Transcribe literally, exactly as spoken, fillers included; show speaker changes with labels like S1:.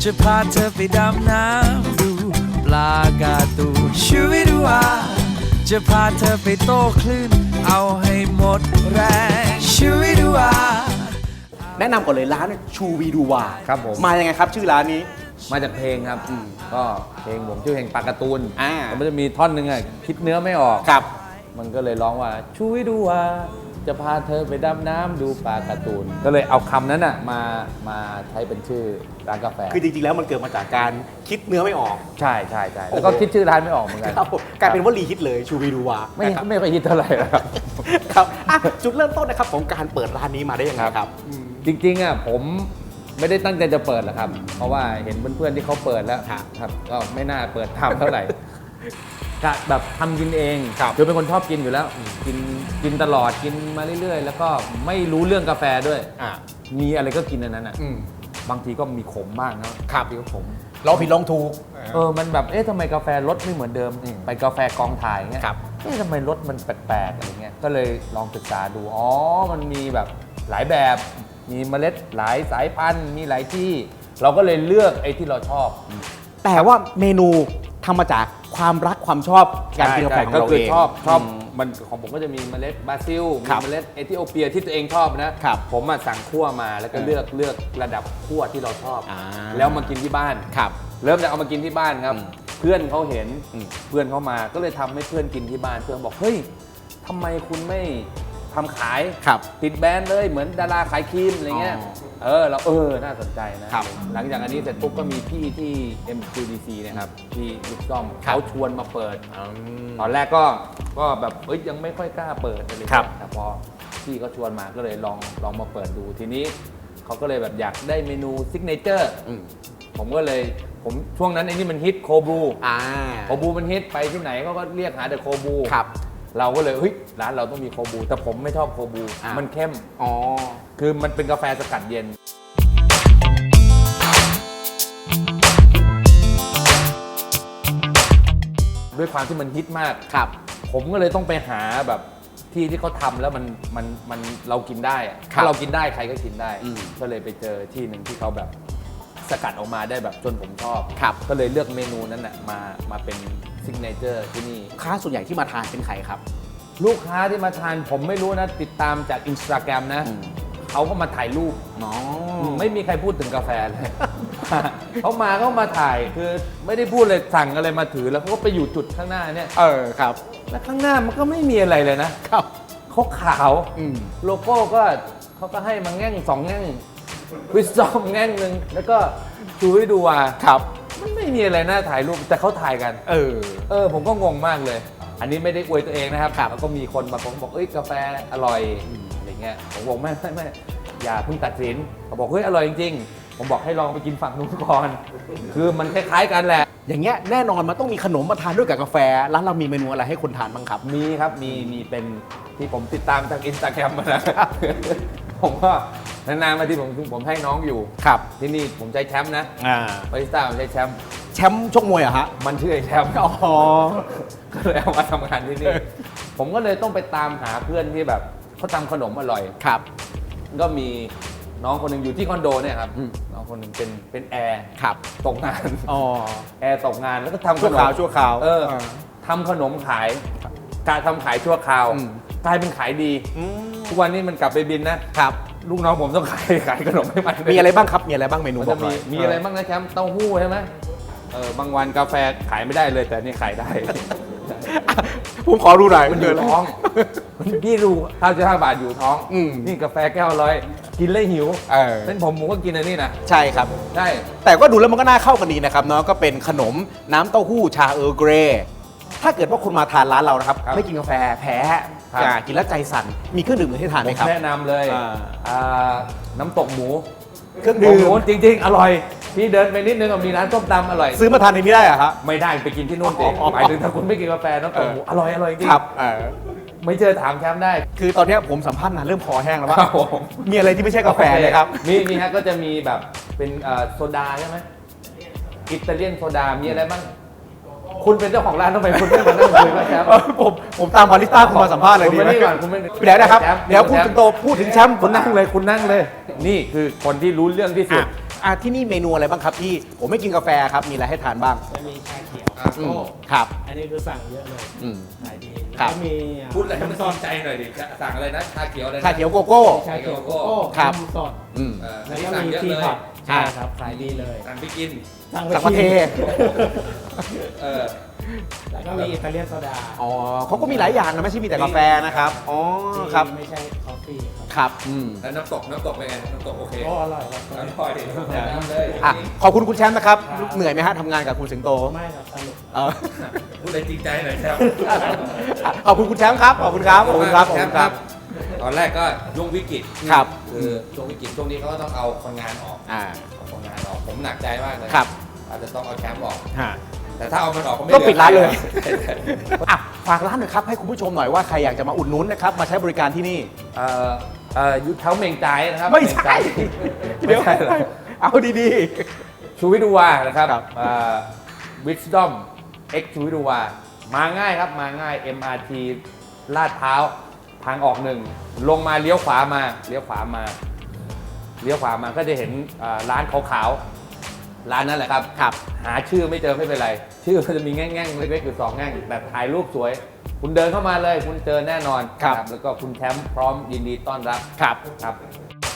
S1: จะพาเธอไปดำน้ำดูปลาการ์ตูนชีวิตว่าจะพาเธอไปโต้คลื่นเอาให้หมดแรงชีวิตว่า
S2: แนะนำก่อนเลยร้านชูวีดูวา
S3: ครับผม
S2: มายังไงครับชื่อร้านนี้
S3: มาจากเพลงครับก็เพลงผมชื่อเพลงปลาการ์ตูน
S2: อ่า
S3: มันจะมีท่อนหนึ่งอ่ะคิดเนื้อไม่ออก
S2: ครับ
S3: มันก็เลยร้องว่าชูวิดูว่าจะพาเธอไปดำน้ำดูปลาการ์ตูนก็เลยเอาคำนั้นอ่ะมามาใช้เป็นชื่อร้านกาแฟ
S2: คือจริงๆแล้วมันเกิดมาจากการคิดเนื้อไม่ออก
S3: ใช่ใช่ใช่แล้วก็คิดชื่อร้านไม่ออกเหมือนกัน
S2: กลายเป็นวลีฮิตเลยชูวีดูวา
S3: ไม่ไม่ค่อยฮิตเท่าไหร่ครับ
S2: ครับจุดเริ่มต้นนะครับของการเปิดร้านนี้มาได้ยังไงครับ
S3: จริงๆอ่ะผมไม่ได้ตั้งใจจะเปิดหรอกครับเพราะว่าเห็นเพื่อนๆที่เขาเปิดแล้วครับก็ไม่น่าเปิดทำเท่าไหร่ก็แบบทำกินเองคือเป็นคนชอบกินอยู่แล้วกินกินตลอดกินมาเรื่อยๆแล้วก็ไม่รู้เรื่องกาแฟด้วยมีอะไรก็กินอันนั้นอ่ะบางทีก็มีขมบ้างนะครับมีก็ขม
S2: ลองผิดลองถูก
S3: เออมันแบบเอ๊ะทำไมกาแฟรสไม่เหมือนเดิมไปกาแฟกองถ่ายเงี้ยเอ๊ะทำไมรสมันแปลกๆอะไรเงี้ยก็เลยลองศึกษาดูอ๋อมันมีแบบหลายแบบมีเมล็ดหลายสายพันธุ์มีหลายที่เราก็เลยเลือกไอ้ที่เราชอบ
S2: แต่ว่าเมนูทำมาจากความรักความชอบการกินกาแฟของเราเอง
S3: ชอบชอบมันของผมก็จะมีเมล็ดบราซิลมีเมล็ดเอธิโอเปียที่ตัวเองชอบนะผมมาสั่งคั่วมาแล้วก็เลือกเลือกระดับคั่วที่เราชอบแล้วมากินที่บ้านเริ่มจากเอามากินที่บ้านครับเพื่อนเขาเห็นเพื่อนเขามาก็เลยทำให้เพื่อนกินที่บ้านเพื่อนบอกเฮ้ยทำไมคุณไม่ทำขายติดแบรนด์เลยเหมือนดาราขายครีมอะไรเงี้ยเออเราเออน่าสนใจนะหลังจากอันนี้เสร็จปุ๊บก็มีพี่ที่ เอ็ม คิว ดี ซี นะครับที่บิ๊กซ่อมเขาชวนมาเปิดตอนแรกก็ก็แบบเอ้ยยังไม่ค่อยกล้าเปิดเลยแต่พอพี่เขาชวนมาก็เลยลองลองมาเปิดดูทีนี้เขาก็เลยแบบอยากได้เมนูซิกเนเจอร์ผมก็เลยผมช่วงนั้นไอ้นี่มันฮิตโคบูโคบูมันฮิตไปที่ไหนเขาก็เรียกหาแต่โคบูเราก็เลยเฮ้ยร้านเราต้องมีโคบูแต่ผมไม่ชอบโคบูมันเข้มอ๋อคือมันเป็นกาแฟสกัดเย็นด้วยความที่มันฮิตมากครับผมก็เลยต้องไปหาแบบที่ที่เขาทำแล้วมันมันมันเรากินได้ถ้าเรากินได้ใครก็กินได้ก็เลยไปเจอที่หนึ่งที่เขาแบบสกัดออกมาได้แบบจนผมชอบก็เลยเลือกเมนูนั้นนะมามาเป็นซิกเนเจอร์ที่นี่
S2: ค้าส่วนใหญ่ที่มาทานเป็นใครครับ
S3: ลูกค้าที่มาทานผมไม่รู้นะติดตามจาก Instagram นะเขาก็มาถ่ายรูปไม่มีใครพูดถึงกาแฟเลยเขามาเขามาถ่ายคือไม่ได้พูดเลยสั่งอะไรมาถือแล้วเขาก็ไปอยู่จุดข้างหน้าเนี่ย
S2: เออครับ
S3: แล้วข้างหน้ามันก็ไม่มีอะไรเลยนะครับเขาขาวโลโก้ก็เขาก็ให้มาแง่งสองแง่งวิสซอมแง่งหนึ่งแล้วก็ชูให้ดูว่าครับมันไม่มีอะไรน่าถ่ายรูปแต่เขาถ่ายกันเออเออผมก็งงมากเลยอันนี้ไม่ได้อวยตัวเองนะครับแล้วก็มีคนมาบอกเอ้ยกาแฟอร่อยอะไรเงี้ยผมบอกไม่ไม่ไม่อย่าเพิ่งตัดสินเขาบอกเฮ้ยอร่อยจริงๆผมบอกให้ลองไปกินฝั่งนู้นก่อนคือมันคล้ายๆกันแหละ
S2: อย่างเงี้ยแน่นอนมันต้องมีขนมมาทานด้วยกับกาแฟร้านเรามีเมนูอะไรให้คนทานบ้างครับ
S3: มีครับมีมีเป็นที่ผมติดตามจาก Instagram มานะผมก็นานๆมาที่ผมผมให้น้องอยู่ครับที่นี่ผมใช้แชมป์นะอ่าบาริสต้าผมใช้แชมป์
S2: แชมป์ชกมวยเหรอฮะ
S3: มันชื่อไอ้แชมป์อ๋อก็เลยเอามาทำงานที่นี่ผมก็เลยต้องไปตามหาเพื่อนที่แบบเขาทำขนมอร่อยครับก็มีน้องคนหนึ่งอยู่ที่คอนโดเนี่ยครับน้องคนหนึ่งเป็นเป็นแอร์ครับตกงานอ๋อแอร์ตกงานแล้วก็ทำ
S2: ชั่วคราวชั่วคราว
S3: เออทำขนมขายการทำขายชั่วคราวกลายเป็นขายดีทุกวันนี้มันกลับไปบินนะครับลูกน้องผมต้องขายขายขนมให้มัน
S2: มีอะไรบ้างครับมีอะไรบ้างเมนูบอกหน่อย
S3: มีอะไรบ้างนะแชมป์เต้าหู้ใช่ไหมเออบางวันกาแฟขายไม่ได้เลยแต่นี่ขายได้
S2: ผมขอดูหน่อย
S3: มันอยู่ท้องพี่ดูข้าวเจ้าห้าบาทอยู่ท้องนี่กาแฟแก้วร้อยกินเลยหิวเป็นผมผมก็กินอันนี้นะ
S2: ใช่ครับ
S3: ใช่
S2: แต่ก็ดูแล้วมันก็น่าเข้ากันดีนะครับเนาะก็เป็นขนมน้ำเต้าหู้ชาเออร์เกรย์ถ้าเกิดว่าคุณมาทานร้านเรานะครับไม่กินกาแฟแพ้กินแล้วใจสั่นมีเครื่องดื่มอื่นให้ทานไหมครับ
S3: แนะนำเลยน้ำตกหมูเครื่องดื่มจริงๆอร่อยพี่เดินไปนิดนึงมีร้านต้มตำอร่อย
S2: ซื้อมาทานในนี้ได้เหรอครับ
S3: ไม่ได้ไปกินที่นู่นเองหมายถึงถ้าคุณไม่กินกาแฟน้ำตกหมูอร่อยอร่อยจริงครับไม่เจอถามแชมป์ได้
S2: คือตอนนี้ผมสัมภาษณ์นานเริ่มคอแห้งแล้วว่ามีอะไรที่ไม่ใช่กาแฟเลยครับ
S3: มีมีฮะก็จะมีแบบเป็นโซดาใช่ไหมอิตาเลียนโซดามีอะไรบ้างคุณเป็นเจ้าของร้านต้องไปคุณไม่มานั่งคุยกับแชมป์
S2: ผมผมตามบาริสต้าคุณมาสัมภาษณ์เลยดีไหมเดี๋ยวนะครับเดี๋ยวพูดถึงโตพูดถึงแชมป์
S3: คุณนั่งเลยคุณนั่งเลยนี่คือคนที่รู้เรื่องที่สุด
S2: อ่ะที่นี่เมนูอะไรบ้างครับพี่ผมไม่กินกาแฟครับมีอะไรให้ทานบ้าง
S4: จะมีชาเขียว
S3: อ่ะ
S2: อืม
S4: โก้
S2: ครับ
S4: อันนี้คือสั่งเยอะเลย
S2: อืม
S4: ขายดี
S2: ครับ
S4: แล้วก็มี
S3: พูดอะไรให้มันซ่อนใจหน่อยดิสั่งอะไรนะชาเขียวอะไรนะ
S2: ชาเขียวโกโก้
S4: ชาเขียวโกโก้
S2: ครับ
S4: นมสด
S2: อืม
S3: เออ
S4: แล้วก็
S3: สั่ง
S4: มี
S3: เยอะ
S4: ที
S3: เลย
S4: พอตใช่ครับขายดีเลย
S3: สั่งไปกิน
S4: สั่ง
S2: สั่งมาเท
S3: เออ
S4: แล้วก็มีอิตาเลียนโซดา
S2: อ๋อเขาก็มีหลายอย่างนะไม่ใช่มีแต่กาแฟนะครับอ๋อครับ
S4: ที่ไม่ใช่คอฟฟี่ครับ
S2: ครับอืม
S3: แล้วน้ำตกน้ำตกเป็นไงน้ำตกโอเค
S4: โอ้อร่อยครับ
S3: อร่อยดิแนะนำเลย
S2: อ่ะขอบคุณคุณแชมป์นะครับเหนื่อยไหมฮะทำงานกับคุณสิงโต
S4: ไม่ครับสนุก
S2: เออ
S3: พูดอะไรจริงใจหน่อยครับ
S2: ขอบคุณคุณแชมป์ครับขอบคุณครับขอบคุณครับขอบคุณครับ
S3: ตอนแรกก็ช่วงวิกฤต
S2: ครับ
S3: คือช่วงวิกฤตช่วงนี้เขาก็ต้องเอาคนงานออก
S2: อ่า
S3: เอาคนงานออกผมหนักใจมากเลย
S2: ครับ
S3: อาจจะต้องเอาแชมป์ออก
S2: ฮะ
S3: แต่ถ้าเอามันออกก็ไม่
S2: ก็ปิดร้านเลย
S3: ใช่ใช่
S2: อ่ะฝากร้านหน่อยครับให้คุณผู้ชมหน่อยว่าใครอยากจะมาอุดหนุนนะครับมาใช้บริการที่นี่
S3: เอ่อเอ่อยุทธเท้าเมงใจายนะครับ
S2: ไม่ใช่
S3: เมง
S2: เดี๋ยว
S3: ใจายไม่ใช่เหรอ
S2: เอาดี
S3: ชูวิทย์ดูวานะครับ
S2: ครับ
S3: วิสดอมเอ็กชูวิทย์ดูวามาง่ายครับมาง่าย เอ็ม อาร์ ที ลาดพร้าวทางออกหนึ่งลงมาเลี้ยวขวามาเลี้ยวขวามาเลี้ยวขวามาก็จะเห็นอ่าร้านขาวๆร้านนั่นแหละครับ
S2: ครับ
S3: หาชื่อไม่เจอไม่เป็นไร ชื่อมันจะมีแง่งๆเล็กๆอยู่สองแง่งแต่ถ่ายรูปสวย คุณเดินเข้ามาเลย คุณเจอแน่นอน
S2: ครับ
S3: แล้วก็คุณแชมป์พร้อมยินดีต้อนรับ
S2: ๆครับ
S3: ครับ